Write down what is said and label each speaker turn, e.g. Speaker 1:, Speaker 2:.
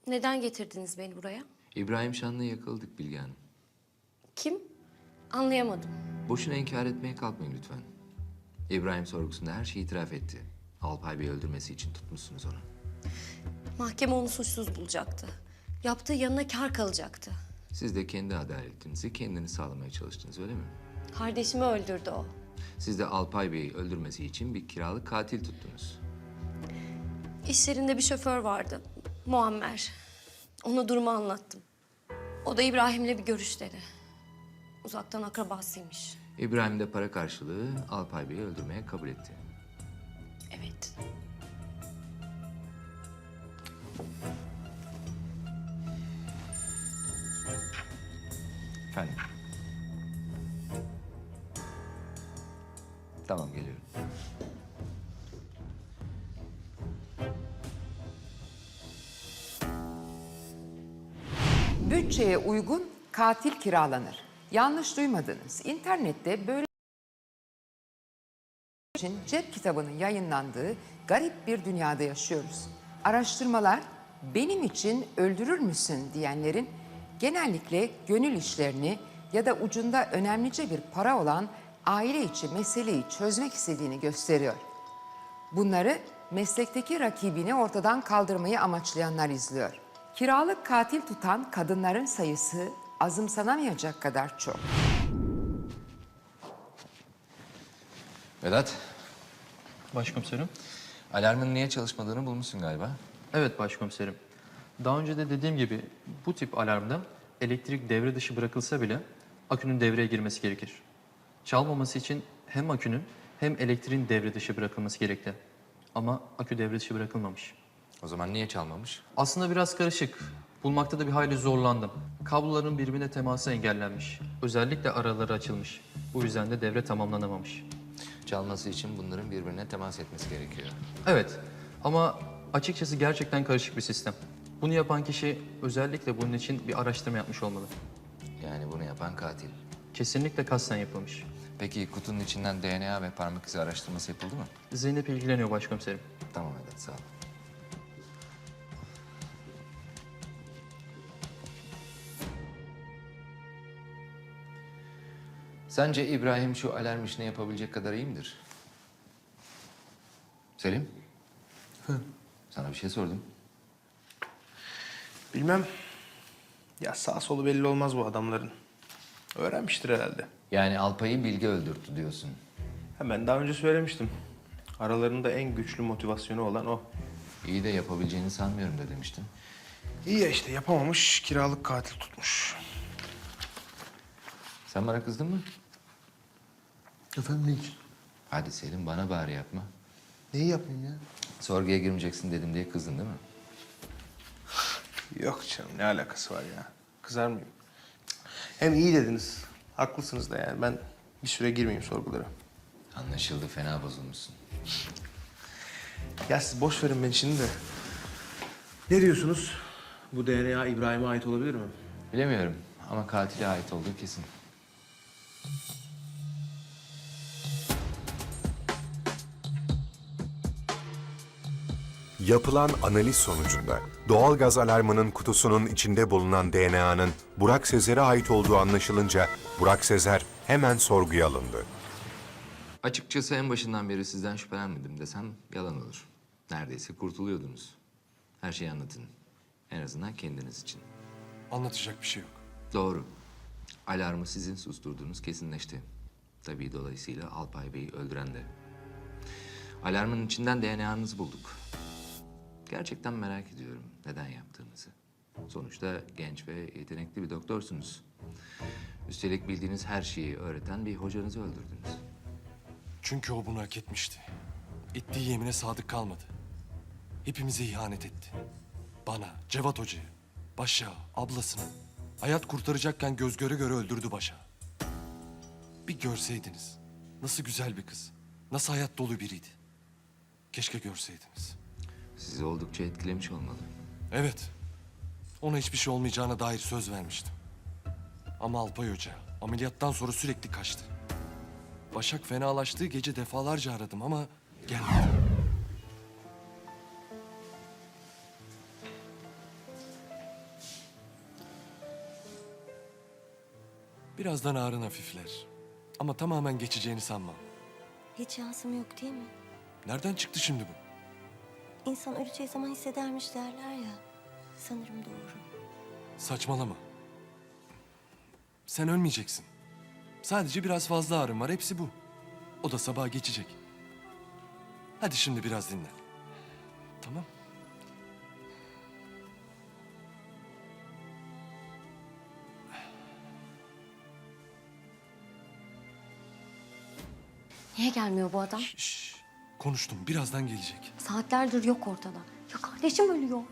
Speaker 1: Neden getirdiniz beni buraya?
Speaker 2: İbrahim Şanlı'ya yakaladık Bilge Hanım.
Speaker 1: Kim? Anlayamadım.
Speaker 2: Boşuna inkar etmeye kalkmayın lütfen. İbrahim sorgusunda her şeyi itiraf etti. Alpay Bey'i öldürmesi için tutmuşsunuz onu.
Speaker 1: Mahkeme onu suçsuz bulacaktı. Yaptığı yanına kâr kalacaktı.
Speaker 2: Siz de kendi adaletinizi kendiniz sağlamaya çalıştınız, öyle mi?
Speaker 1: Kardeşimi öldürdü o.
Speaker 2: Siz de Alpay Bey'i öldürmesi için bir kiralık katil tuttunuz.
Speaker 1: İş yerinde bir şoför vardı. Muammer. Ona durumu anlattım. O da İbrahim'le bir görüş dedi. Uzaktan akrabasıymış.
Speaker 2: İbrahim de para karşılığı Alpay Bey'i öldürmeye kabul etti.
Speaker 1: Evet.
Speaker 2: Efendim? Tamam, geliyorum.
Speaker 3: Bütçeye uygun katil kiralanır. Yanlış duymadınız. İnternette böyle için cep kitabının yayınlandığı garip bir dünyada yaşıyoruz. Araştırmalar benim için öldürür müsün diyenlerin genellikle gönül işlerini ya da ucunda önemlice bir para olan aile içi meseleyi çözmek istediğini gösteriyor. Bunları meslekteki rakibini ortadan kaldırmayı amaçlayanlar izliyor. Kiralık katil tutan kadınların sayısı azımsanamayacak kadar çok.
Speaker 2: Vedat,
Speaker 4: Başkomiserim.
Speaker 2: alarmın niye çalışmadığını bulmuşsun galiba.
Speaker 4: Evet başkomiserim. Daha önce de dediğim gibi bu tip alarmda elektrik devre dışı bırakılsa bile akünün devreye girmesi gerekir. Çalmaması için hem akünün hem elektriğin devre dışı bırakılması gerekli. Ama akü devre dışı bırakılmamış.
Speaker 2: O zaman niye çalmamış?
Speaker 4: Aslında biraz karışık. Bulmakta da bir hayli zorlandım. Kabloların birbirine teması engellenmiş. Özellikle araları açılmış. Bu yüzden de devre tamamlanamamış.
Speaker 2: Çalması için bunların birbirine temas etmesi gerekiyor.
Speaker 4: Evet ama açıkçası gerçekten karışık bir sistem. Bunu yapan kişi özellikle bunun için bir araştırma yapmış olmalı.
Speaker 2: Yani bunu yapan katil.
Speaker 4: Kesinlikle kasten yapılmış.
Speaker 2: Peki kutunun içinden DNA ve parmak izi araştırması yapıldı mı?
Speaker 4: Zeynep ilgileniyor başkomiserim.
Speaker 2: Tamam Vedat, sağ ol. Sence İbrahim şu alarm işini yapabilecek kadar iyi midir? Selim? Sana bir şey sordum.
Speaker 5: Bilmem. Ya sağ solu belli olmaz bu adamların. Öğrenmiştir herhalde.
Speaker 2: Yani Alpay'ı Bilge öldürttü diyorsun.
Speaker 5: Ha, ben daha önce söylemiştim. Aralarında en güçlü motivasyonu olan o.
Speaker 2: İyi de yapabileceğini sanmıyorum da demiştin.
Speaker 5: İyi ya işte yapamamış, kiralık katil tutmuş.
Speaker 2: Sen bana kızdın mı?
Speaker 5: Efendim ne için?
Speaker 2: Hadi Selim, bana bari yapma.
Speaker 5: Neyi yapayım ya?
Speaker 2: Sorguya girmeyeceksin dedim diye kızdın değil mi?
Speaker 5: Yok canım ne alakası var ya? Kızar mıyım? Hem iyi dediniz. Haklısınız da yani ben bir süre girmeyeyim sorgulara.
Speaker 2: Anlaşıldı, fena bozulmuşsun.
Speaker 5: Ya siz boş verin beni şimdi de. Ne diyorsunuz? Bu DNA İbrahim'e ait olabilir mi?
Speaker 2: Bilemiyorum ama katile ait olduğu kesin.
Speaker 6: Yapılan analiz sonucunda doğalgaz alarmının kutusunun içinde bulunan DNA'nın Burak Sezer'e ait olduğu anlaşılınca Burak Sezer hemen sorguya alındı.
Speaker 2: Açıkçası en başından beri sizden şüphelenmedim desem yalan olur. Neredeyse kurtuluyordunuz. Her şeyi anlatın. En azından kendiniz için.
Speaker 7: Anlatacak bir şey yok.
Speaker 2: Doğru. Alarmı sizin susturduğunuz kesinleşti. Tabii dolayısıyla Alpay Bey'i öldüren de. Alarmın içinden DNA'nızı bulduk. Gerçekten merak ediyorum neden yaptığınızı. Sonuçta genç ve yetenekli bir doktorsunuz. Üstelik bildiğiniz her şeyi öğreten bir hocanızı öldürdünüz.
Speaker 7: Çünkü o bunu hak etmişti. Ettiği yemine sadık kalmadı. Hepimize ihanet etti. Bana, Cevat Hoca'ya, Başa, ablasını. Hayat kurtaracakken göz göre göre öldürdü Başa. Bir görseydiniz. Nasıl güzel bir kız. Nasıl hayat dolu biriydi. Keşke görseydiniz.
Speaker 2: Sizi oldukça etkilemiş olmalı.
Speaker 7: Evet. Ona hiçbir şey olmayacağına dair söz vermiştim. Ama Alpay Hoca ameliyattan sonra sürekli kaçtı. Başak fenalaştığı gece defalarca aradım ama gelmedi. Birazdan ağrın hafifler. Ama tamamen geçeceğini sanmam.
Speaker 8: Hiç şansım yok değil mi?
Speaker 7: Nereden çıktı şimdi bu?
Speaker 8: İnsan öleceği zaman hissedermiş derler ya. Sanırım doğru.
Speaker 7: Saçmalama. Sen ölmeyeceksin. Sadece biraz fazla ağrın var, hepsi bu. O da sabaha geçecek. Hadi şimdi biraz dinlen. Tamam.
Speaker 1: Niye gelmiyor bu adam?
Speaker 7: Şş, konuştum, birazdan gelecek.
Speaker 1: Saatlerdir yok ortada. Ya kardeşim ölüyor.